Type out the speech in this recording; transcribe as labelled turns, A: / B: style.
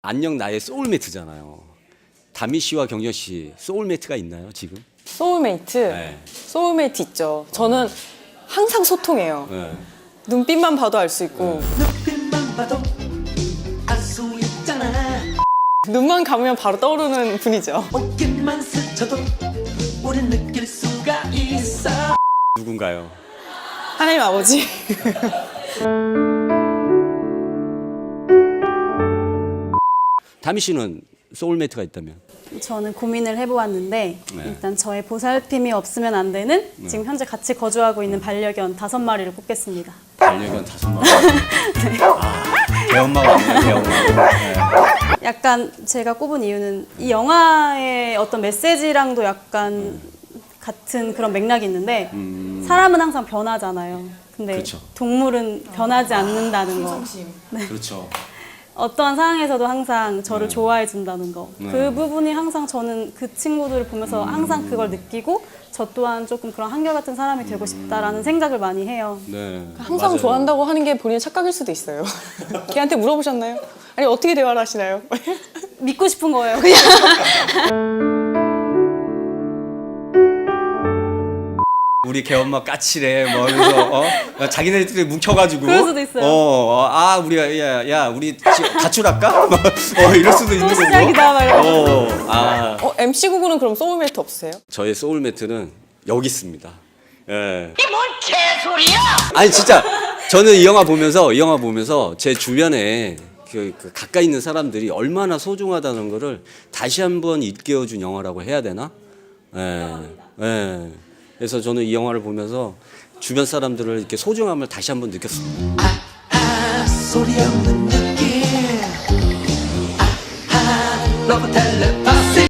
A: 안녕 나의 소울메이트잖아요. 다미 씨와 경정 씨 소울메이트가 있나요 지금?
B: 소울메이트?
A: 네.
B: 소울메이트 있죠. 저는 항상 소통해요.
A: 네.
B: 눈빛만 봐도 알 수 있고
C: 눈빛만 봐도 알 수 있잖아.
B: 눈만 감으면 바로 떠오르는 분이죠.
C: 옷깃만 스쳐도 우린 느낄 수가 있어.
A: 누군가요?
B: 하나님 아버지.
A: 다미 씨는 소울메이트가 있다면?
D: 저는 고민을 해보았는데
A: 네.
D: 일단 저의 보살핌이 없으면 안 되는 지금 현재 같이 거주하고 있는 반려견 5마리를 꼽겠습니다.
A: 반려견 5마리. 대엄마가 아니에요, 대엄마. 네.
D: 약간 제가 꼽은 이유는 이 영화의 어떤 메시지랑도 약간 같은 그런 맥락이 있는데 사람은 항상 변하잖아요. 근데
A: 그렇죠.
D: 동물은 변하지 않는다는 거.
A: 그렇죠.
D: 어떠한 상황에서도 항상 저를 좋아해 준다는 거.
A: 네.
D: 그 부분이 항상 저는 그 친구들을 보면서 항상 그걸 느끼고 저 또한 조금 그런 한결같은 사람이 되고 싶다라는 생각을 많이 해요.
A: 네.
B: 항상
A: 맞아요.
B: 좋아한다고 하는 게 본인의 착각일 수도 있어요. 걔한테 물어보셨나요? 아니 어떻게 대화를 하시나요?
D: 믿고 싶은 거예요, 그냥.
A: 우리 개엄마 까칠해 뭐 그래서 자기네들끼리 뭉쳐가지고
D: 그럴 수도 있어요.
A: 우리가 야 우리 가출할까? 이럴 수도 있는
D: 또
A: 거고.
D: 시작이다, 막 이러면서.
B: MC 구구는 그럼 소울메이트 없으세요?
A: 저의 소울메이트는 여기 있습니다. 예. 이게 뭔 개소리야? 아니 진짜 저는 이 영화 보면서 제 주변에 그 가까이 있는 사람들이 얼마나 소중하다는 거를 다시 한번 일깨워준 영화라고 해야 되나? 예. 예. 그래서 저는 이 영화를 보면서 주변 사람들을 이렇게 소중함을 다시 한번 느꼈습니다.
C: 소리 없는 느낌. 러브 텔레파시.